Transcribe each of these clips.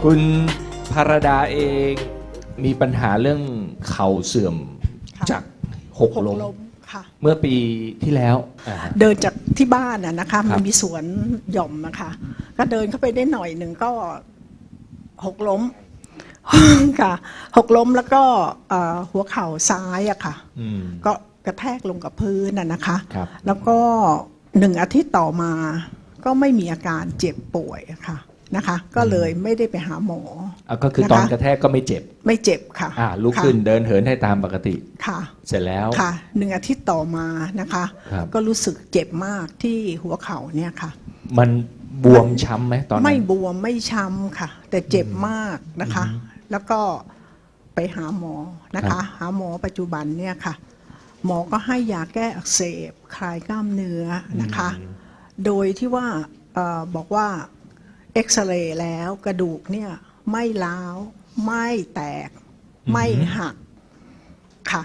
คุณภารดาเองมีปัญหาเรื่องเข่าเสื่อมจากหกล้มค่ะเมื่อปีที่แล้วเดินจากที่บ้านนะคะมันมีสวนหย่อมนะคะก็เดินเข้าไปได้หน่อยหนึ่งก็หกล้ม ค่ะหกล้มแล้วก็หัวเข่าซ้ายอะค่ะก็กระแทกลงกับพื้นนะคะแล้วก็1 อาทิตย์ต่อมาก็ไม่มีอาการเจ็บป่วยค่ะนะคะก็เลยไม่ได้ไปหาหมอก็คือตอนกระแทกก็ไม่เจ็บค่ะลุกขึ้นเดินเหินให้ตามปกติค่ะเสร็จแล้วค่ะ1 อาทิตย์ต่อมานะคะก็รู้สึกเจ็บมากที่หัวเข่าเนี่ยค่ะมันบวมช้ำไหมตอนนั้นไม่บวมไม่ช้ำค่ะแต่เจ็บมากนะคะแล้วก็ไปหาหมอนะคะหาหมอปัจจุบันเนี่ยค่ะหมอก็ให้ยาแก้อักเสบคลายกล้ามเนื้อนะคะโดยที่ว่าบอกว่าเอ็กซเรย์แล้วกระดูกเนี่ยไม่ร้าวไม่แตกไม่หักค่ะ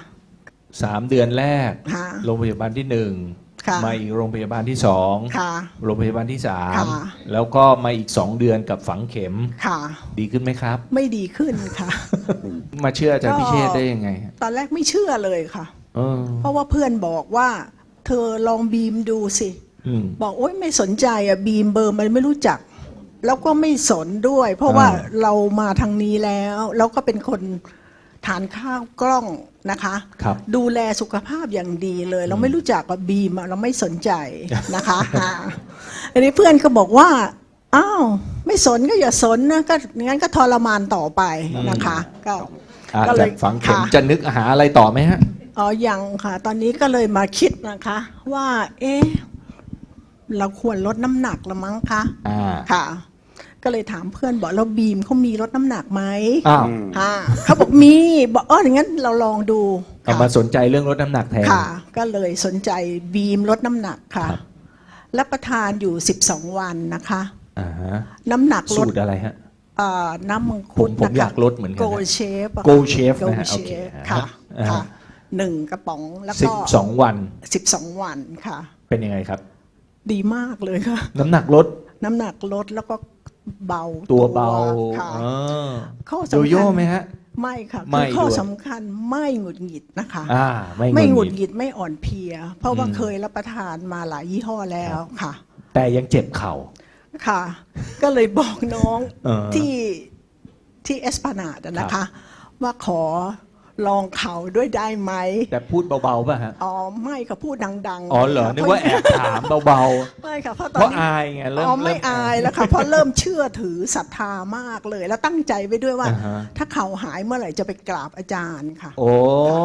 3 เดือนแรกโรงพยาบาลที่1มาอีกโรงพยาบาลที่2โรงพยาบาลที่3แล้วก็มาอีก2 เดือนกับฝังเข็มดีขึ้นไหมครับไม่ดีขึ้นค่ะมาเชื่ออาจารย์พิเชษได้ยังไงตอนแรกไม่เชื่อเลยค่ะเพราะว่าเพื่อนบอกว่าเธอลองบีมดูสิบอกโอ๊ยไม่สนใจอะบีมเบอร์มันไม่รู้จักแล้วก็ไม่สนด้วยเพราะว่าเรามาทางนี้แล้วก็เป็นคนทานข้าวกล้องนะคะดูแลสุขภาพอย่างดีเลยเราไม่รู้จักกับบีมเราไม่สนใจนะคะอันนี้เพื่อนก็บอกว่าอ้าวไม่สนก็อย่าสนนะก็งั้นก็ทรมานต่อไปนะคะก็เลยฝังเข็มจะนึกหาอะไรต่อไหมฮะยังค่ะตอนนี้ก็เลยมาคิดนะคะว่าเราควรลดน้ำหนักละมั้งคะค่ะก็เลยถามเพื่อนบอกเราบีมเขามีลดน้ำหนักไหมเขาบอกมีบอกอย่างนั้นเราลองดูมาสนใจเรื่องลดน้ำหนักแทนค่ะก็เลยสนใจบีมลดน้ำหนักค่ะรับประทานอยู่12 วันนะคะน้ำหนักลดสูตรอะไรฮะน้ำมังคุดผมอยากลดเหมือนกันโกเชฟนะฮะโอเคค่ะ1 กระป๋องแล้วก็ 12 วัน 12 วันค่ะเป็นยังไงครับดีมากเลยค่ะน้ำหนักลดแล้วก็เบาตัวเบาค่ะข้อสำคัญโยโย่ไหมฮะไม่ค่ะคือข้อสำคัญไม่หงุดหงิดนะคะไม่หงุดหงิดไม่อ่อนเพลียเพราะว่าเคยรับประทานมาหลายยี่ห้อแล้วค่ะแต่ยังเจ็บเข่าค่ะก็เลยบอกน้องที่เอสพานาดนะคะว่าขอลองเข่าด้วยได้ไหมแต่พูดเบาๆป่ะฮะไม่ค่ะพูดดังๆเหรอนึกว่าแอบถามเบาๆไม่ค่ะเพราะตอนนี้อายไงเริ่มไม่อายแล้วค่ะเพราะเริ่มเชื่อถือศรัทธามากเลยแล้วตั้งใจไว้ด้วยว่าถ้าเข่าหายเมื่อไหร่จะไปกราบอาจารย์ค่ะโอ้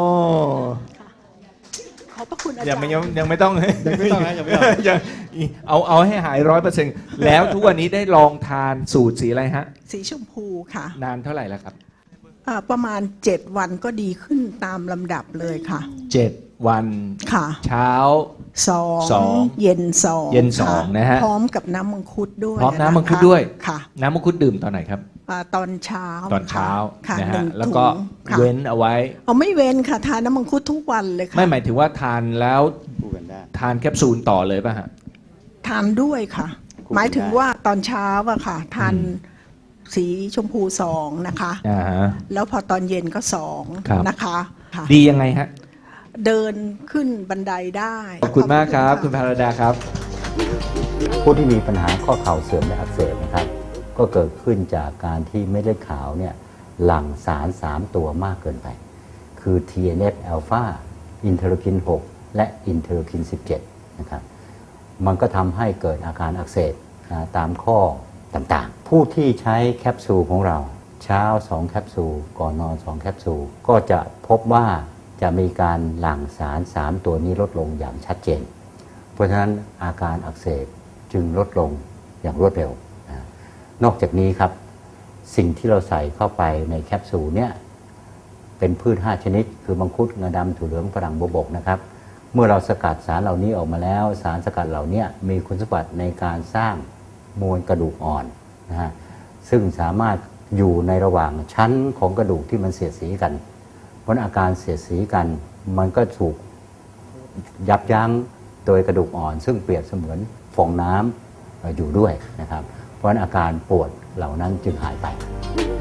ขอบพระคุณอาจารย์ยังไม่ต้องยังเอาให้หาย100%แล้วทุกวันนี้ได้ลองทานสูตรสีอะไรฮะสีชมพูค่ะนานเท่าไหร่แล้วครับประมาณ7 วันก็ดีขึ้นตามลำดับเลยค่ะ 7 วันค่ะเช้า 2เย็น2 นะฮะพร้อมกับน้ำมังคุดด้วยพร้อมน้ำมังคุดด้วยค่ะน้ำมังคุดดื่มตอนไหนครับตอนเช้านะฮะแล้วก็เว้นเอาไว้ไม่เว้นค่ะทานน้ำมังคุดทุกวันเลยค่ะไม่หมายถึงว่าทานแล้วทานแคปซูลต่อเลยป่ะฮะทานด้วยค่ะหมายถึงว่าตอนเช้าอะค่ะทานสีชมพู2นะคะแล้วพอตอนเย็นก็2นะคะดียังไงฮะเดินขึ้นบันไดได้ขอบคุณมากครับคุณภารดาครับผู้ที่มีปัญหาข้อเข่าเสื่อมและอักเสบนะครับก็เกิดขึ้นจากการที่เม็ดเลือดขาวเนี่ยหลั่งสาร3 ตัวมากเกินไปคือ TNF อ l p h a อินเทอร์คิน6และอินเทอร์คิน17นะครับมันก็ทำให้เกิดอาการอักเสบตามข้อต่างๆผู้ที่ใช้แคปซูลของเราเช้า2 แคปซูลก่อนนอน2 แคปซูลก็จะพบว่าจะมีการหลั่งสาร3 ตัวนี้ลดลงอย่างชัดเจนเพราะฉะนั้นอาการอักเสบจึงลดลงอย่างรวดเร็วนอกจากนี้ครับสิ่งที่เราใส่เข้าไปในแคปซูลเนี่ยเป็นพืช5 ชนิดคือมังคุดงาดำถั่วเหลืองฝรั่งบัวบกนะครับเมื่อเราสกัดสารเหล่านี้ออกมาแล้วสารสกัดเหล่านี้มีคุณสมบัติในการสร้างมวลกระดูกอ่อนนะฮะซึ่งสามารถอยู่ในระหว่างชั้นของกระดูกที่มันเสียดสีกันเพราะอาการเสียดสีกันมันก็ถูกยับยั้งโดยกระดูกอ่อนซึ่งเปรียบเสมือนฟองน้ำอยู่ด้วยนะครับเพราะอาการปวดเหล่านั้นจึงหายไป